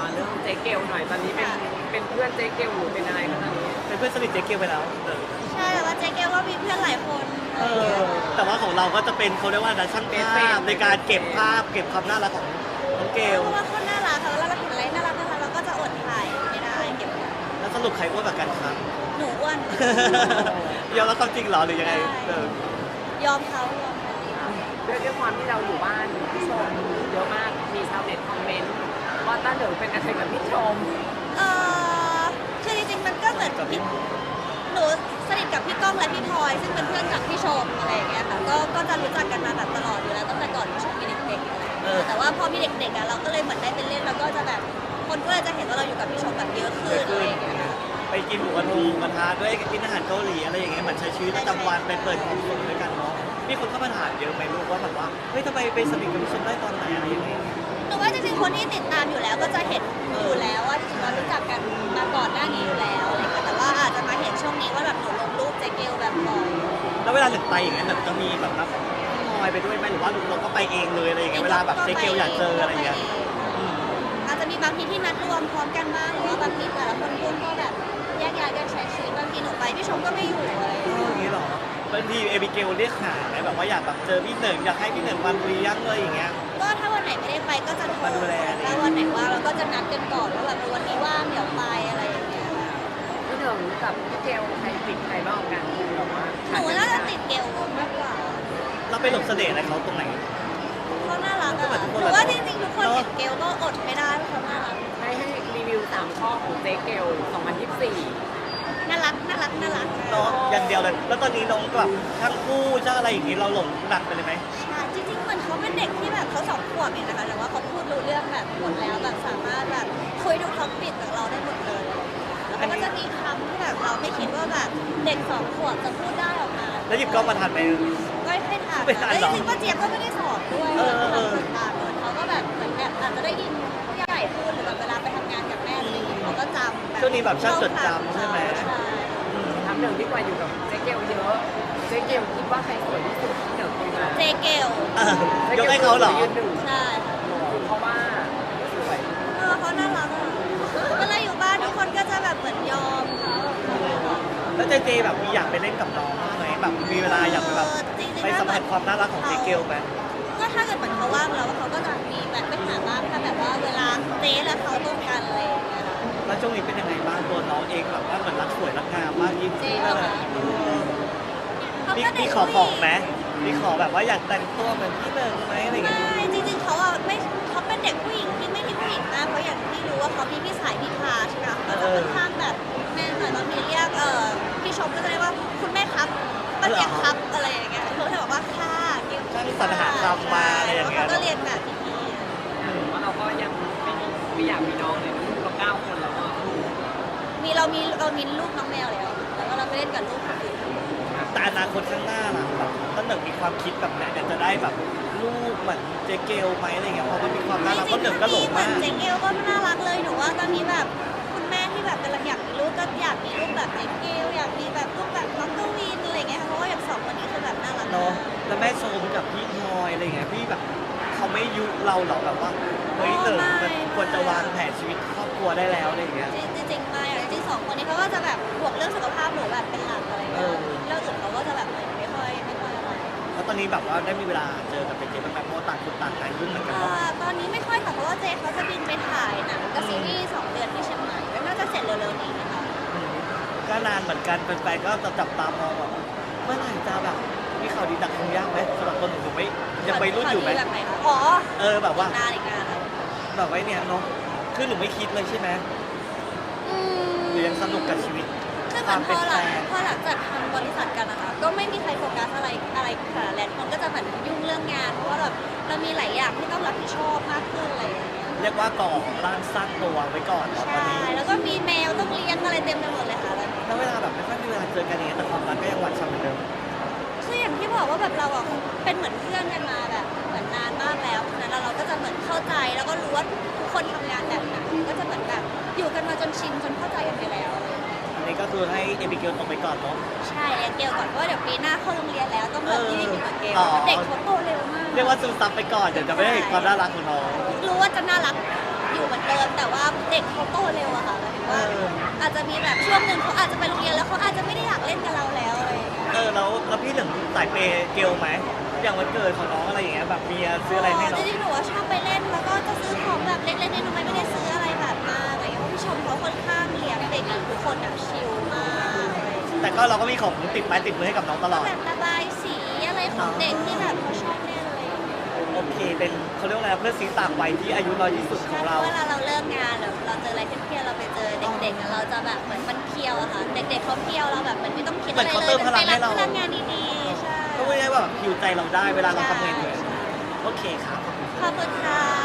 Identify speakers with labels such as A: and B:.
A: มาเรื่องเจ๊เกลหน่อยตอนนี้เป็นเพื่อนเจ๊เกลหรือเป็นอะไรคะตอนนี้
B: เป็นเพื่อนสนิทเจ๊เกียวไปแล้ว
C: ใช่แต่ว่าเจ๊เกลก็มีเพื่อนหลายคน
B: แต่ว่าของเราก็จะเป็นเขาเรียกว่าการช่างภาพในการเก็บภาพเก็บความน่ารักของน้องเกล
C: เพราะว่าคนน่ารักค่ะเวลาเราเห็นอะไรน่ารักเราก็จะอดถ่ายไม่ได้เก็บไว้
B: แล้วสรุปใครอ้วนกว่ากันครับ
C: หนูอ้วน
B: ยอมรับความจริงเหรอหรือยังไง
C: ยอมเขา
A: ด้วยความที่เราอยู่บ้านพี่ชมเยอะมากมีชาวเน็ตคอมเมนต์ว่าต้าเหนิงเป็นอะไรกับพี่ชม
C: เออคือจริงๆมันก็เหมือนหนูสนิทกับพี่ก้องและพี่พลอยซึ่งเป็นเพื่อนกับพี่ชมอะไรอย่างเงี้ยค่ะก็จะรู้จักกันมาแบบตลอดอยู่แล้วตั้งแต่ก่อนพี่ชมมีเด็กๆอะไรอย่างเงี้ยแต่ว่าพอมีเด็กๆอ่ะเราก็เลยเหมือนได้เป็นเล่นแล้วก็จะแบบคนก็เลยจะเห็นว่าเราอยู่กับพี่ชมแบบเยอะขึ้นอะไรอย่างเงี้ยค่ะ
B: ไปกินหมูกระทะด้วยกินอาหารเกาหลีอะไรอย่างเงี้ยเหมือนใช้ชีวิตประจำวันไปเปิดความสุขด้วยกันเนาะมีคนเข้ามาถามเยอะไหมลูกว่าแบบว่าเฮ้ยทำไมไปสนิทกับพี่ชมได้ตอนไหนอะไรอย่างเงี้ย
C: หนูว่าจริงๆคนที่ติดตามอยู่แล้วก็จะเห็นอยู่แล้วว่าจริงๆเรารู้จักกันมาก่อนหน้านี้อยู่แล้วอะไรเงี้ยแต่ว่าอาจจะมาเห็นช่วงนี้ว่าแบบหนูลงรูปเจเกลแบบบ่อย
B: แล้วเวลาหนึ่งไปอย่างเงี้ยหนึ่งจะมีแบบรับพี่พลอยไปด้วยไหมหรือว่าเราก็ไปเองเลยอะไรอย่างเงี้ยเวลาแบบเจ๊เกลอยากเจออะไรอย่างเงี้ย
C: อาจจะมีบางทีที่นัดรวมพร้อมกันบ้างหรือว่าบางทีแต่ละคนยุ่งก็แบบแยกย้ายกันใช้ชีวิตบางทีหนูไปพี่ชมก็ไม่อยู่อะไรอย่างเงี้ย
B: อย่างนี้เหรอบางทีเอบิเกลเรียกหาไหมแบบว่าอยากแบบเจอพี่หนึ่งอยากให้พี่หนึ่งวันเลี้ยงเลยอย่างเงี้ย
C: ก็ถ้าวันไหนไม่ได้ไปก็จะโทร
B: มาดูแลเนี่ย
C: ถ้าวันไหนว่างเราก็จะนัดกันก่อนว่าแบบวันนี้ว่างเดี๋ยวไปอะไรอย่างเงี้ย
A: พี่เหนิงกับพี่เกลใครติดใครบ้างกว่ากันแบบว่า
C: หนูน่าจะติดเกลมากกว่า
B: เราไปหลบเสน่ห์อะไรเขาตรงไหน
C: เขาน่ารักอะ
B: ก็เหมือนทุกคน
C: หนูว่าจริงๆทุกคนเห็นเกลก็อดไม่ได้เพราะเขาน่ารัก
A: ให้รีวิว3ข้อของเจ๊เกล2024
C: น่ารักน่ารักน่ารัก
B: เนาะอย่างเดียวเลยแล้วตอนนี้น้องแบบช่างคู่ช่างอะไรอย่างงี้เราหลงหนักไปเลยไหม
C: ใช่จริงๆเหมือนเขาเป็นเด็กที่แบบเขา2 ขวบเองนะคะแต่ว่าเขาพูดรู้เรื่องแบบหมดแล้วแบบสามารถแบบคุยทุกท็อปิกกับเราได้หมดเลยแล้วเขาก็จะมีคำที่แบบเราไม่คิดว่าแบบเด็ก2 ขวบจะพูดได้ออกมา
B: แล้วหยิบกล้องมาทันไหม
C: ก็ไม่ทัน
B: ไม่ทัน
C: แล้ว
B: หรอ
C: จริงๆป้าเจี๊ยบก็ไม่ได้สอนด้วย
B: เออ
C: แบบต่างๆเหมือนเขาก็แบบเหมือนแบบอาจจะได้ยินผู้ใหญ่พูดหรือแบบเวลาไปทำงานกับแม่อะไรอย่างเงี้ยเขาก็จำ
B: ช่วงนี้แบบช่างจดจำใช่ไหม
C: ใช่
A: ถามหนึ่งดีกว่าอยู่กับเจ๊เกลเยอะเจ๊เกลคิดว่าใครสวยที่สุดที่เหนิงคุยมา
C: เจเกล
B: ยกให้เขาเหรอ
A: ยืนหนึ่ง
C: ใช่ค่ะ
A: เพราะว่าสวย
C: เขาน่ารักอะเวลาอยู่บ้านทุกคนก็จะแบบเหมือนยอมเขา
B: แล้วเจเจแบบมีอยากไปเล่นกับน้องบ้างไหมแบบมีเวลาอยากไปแบบไปสัมผัสความน่ารักของเจเกลไหม
C: ก็ถ้าเกิดเหมือนเขาว่างแล้วเขาก็จะมีแบบไปหาบ้างถ้าแบบว่าเวลาเจ๊และเขาตรงกันอะไรอย่างเงี้ยค่ะ
B: แล้วช่วงนี้เป็นยังไงบ้างตัวน้องเองแบบว่าเหมือนรักสวยรักงามมากยิ่ง
C: เจ๊
B: ขึ้น
C: เหร
B: เล
C: อย เขา
B: มี
C: ก็เด็
B: มี
C: ก
B: ขอ
C: ผู้
B: ของ
C: หญิง
B: ไหมมีขอแบบว่าอยากแต่งตัวเหมือนพี่หนึ่งไหมอะไรอย่างเงี้ย
C: ไม่จริงๆเขาอะไม่เขาเป็นเด็กผู้หญิงที่ไม่มีผู้หญิงมากเพราะอย่างที่รู้ว่าเขามีพี่สายพี่พาใช่ไหมคะเขาจะค่อนข้างแบบแม่หน่อยบางทีเรียกพี่ชมก็จะเรียกว่าคุณแม่ครับป้าเจี๊ยบครับอะไรอย่างเงี้ยเขาจะบอกว่าค่ะเกี่ยว
B: ช่างสรรหาคำมาอะไรอย่างเงี้ย
C: เขาก็เรียนแบบพี่
A: ว่าเราก็ยังไม่อยากมีน้องเลยลูกเรา9 คนแล้วอ่ะ
C: มีเรามีลูกน้องแมวแล้วแต่ว่าเราไปเล่นกับลูกคนอื่น
B: แต่อนาคตข้างหน้าล่ะแบบต้นหนึ่งมีความคิดแบบไหนอยากจะได้แบบลูกเหมือนเจเกลไหมอะไรอย่างเงี้ยเพราะมันมีความน่ารักต้นหนึ่งก็หลง
C: เหมือ
B: มานก
C: เจเกลก็น่ารักเลยหนูว่าตอนนี้แบบคุณแม่ที่แบบกำลังอยากมีลูกก็อยากมีลูกแบบเจเกลอยากมีแบบลูกแบบน้องกวินอะไรเงี้ยค่ะเพราะว่าอย่าง2 คนนี้คือแบบน่ารัก
B: เนาะแล้วแม่ชมกับพี่พลอยอะไรอย่างเงี้ยพี่แบบเขาไม่ยุเราหรอแบบว่าเฮ้ยเติมมันควรจะวางแผนชีวิตครอบครัวได้แล้วอะไรอย่างเงี้ย
C: จริงๆมาอย่างจริง2 คนนี้เขาก็จะแบบห่วงเรื่องสุขภาพหนูแบบเป็นหลักอะไรเงี้ยเรื่องอื่นเขาก็จะแบบไม่ค่อยอะไร
B: แล้วตอนนี้แบบว่าได้มีเวลาเจอกับเป็นเจบ้างไหมเพราะว่าต่างคนต่างงานยุ่งเหมือนกันเนาะ
C: ตอนนี้ไม่ค่อยค่ะเพราะว่าเจเขาจะบินไปถ่ายหนังกับซีรีส์2 เดือนที่เชียงใหม่แล้วน่าจะเสร็จเร็วๆนี้นะคะ
B: ก็นานเหมือนกันแฟนๆก็จะจับตามองแบบเมื่อไหร่จะแบบมีข่าวดีจากคงยากไหมสำหรับคนหนูไม่ยังไปรุ่นอยู่ไหม
C: แบบไหนคะอ๋อ
B: แบบว่า
C: อีกนานค่ะ
B: แบบไว้เนี่ยเนาะคือหนูไม่คิดเลยใช่ไหมหรือยังสนุกกับชีวิต
C: คือเห
B: ค
C: มือ
B: วาม
C: นพ
B: เป็น
C: อห
B: แฟ
C: ลัง
B: น
C: พอหลังจากทำบริษัทกันนะคะก็ไม่มีใครโฟกัสอะไรค่ะแลนด์คนก็จะเหมือนยุ่งเรื่องงานเพราะว่าแบบเรามีหลายอย่างที่ต้องรับผิดชอบมากขึ้นอะไรอย่างเงี้ย
B: เรียกว่าก่อร่างสร้างตัวไว้ก่อนเนาะตอน
C: ใช่
B: นี้
C: แล้วก็มีแมวต้องเลี้ยงอะไรเต็มไปหมดเลยค่ะแล้ว
B: แล้วเวลาแบบไม่ค่อยมีเวลาเจอกันอย่างเงี้ยแต่ความรักก็ยังหวานฉ่ำเหมือนเดิม
C: คืออย่างที่บอกว่าแบบเราอะเป็นเหมือนเพื่อนกันมาแบบเหมือนนานมากแล้วฉะนั้นเราก็จะเหมือนเข้าใจแล้วก็รู้ว่าทุกคนทำงานแบบไหนก็จะเหมือนแบบอยู่กันมาจนชินจนเข้าใจกันไปแล้วอะไรอย่างเงี้ย
B: อันนี้ก็คือให้เอบิเกลตกไปก่อนเนาะ
C: ใช่เรียนเกลก่อนเพราะว่าเดี๋ยวปีหน้าเข้าโรงเรียนแล้วต้องเริ่มที่เหมือนเกล
B: อ๋อ
C: เด็กเขาโตเร็วมาก
B: เรียกว่าซึมซับไปก่อนเดี๋ยวจะไม่ได้เห็นความน่ารักของน้อง
C: รู้ว่าจะน่ารักอยู่เหมือนเดิมแต่ว่าพเด็กเขาโตเร็วอะค่ะหมายถึงว่าอาจจะมีแบบช่วงหนึ่งเขาอาจจะไปโรงเรียนแล้วเขาอาจจะไม่ได้อยากเล่นกับเราแล้วอะไรอย่างเงี้ย
B: แล้วพี่เหลืองสายเปย์เกลไหมอย่างวันเกิดของน้องอะไรอย่างเงี้ยแบบมีซื้ออะไรให้น้
C: จ
B: อง
C: ริงๆหนูว่าชอบไปเล่นแล้วก็จะซื้อของแบบเล็กๆน้อยๆไม่ได้ซื้ออะไรแบบมากอะไรอย่างเงี้ยเพราะพี่ชมเขาค่อนข้างเลี้ยงเด็กทุกคนแบบชิลมากอะไรอย่างเงี้ย
B: แต่ก็เราก็มีของติดไม้ติดมือให้กับน้องตลอด
C: แบบระบายสีอะไรของเด็กที่แบบเขาชอบเล่นอะไรอย่างเงี้ย
B: โอเคเป็นเขาเรียกว่าอะไรเพื่อนซีต่างวัยที่อายุน้อยที่สุดของเรา
C: เวลาเราเลิกงานหรือเราเจออะไรเครียดๆเราไปเจอเด็กๆอะเราจะแบบเหมือนมันเพียวอะค่ะเด็กๆเขาเพียวเราแบบเหมือนไม่ต้องคิดอะไร
B: เหมือนเขา
C: เล
B: เติ
C: ย
B: มพลังให้เรา
C: พลังงานดีๆใช่
B: ก็ไม่ได้แบบหิวใจเราได้เวลาเราทำงานเหนื่อยโอเคครับ
C: ขอบคุณค่ะ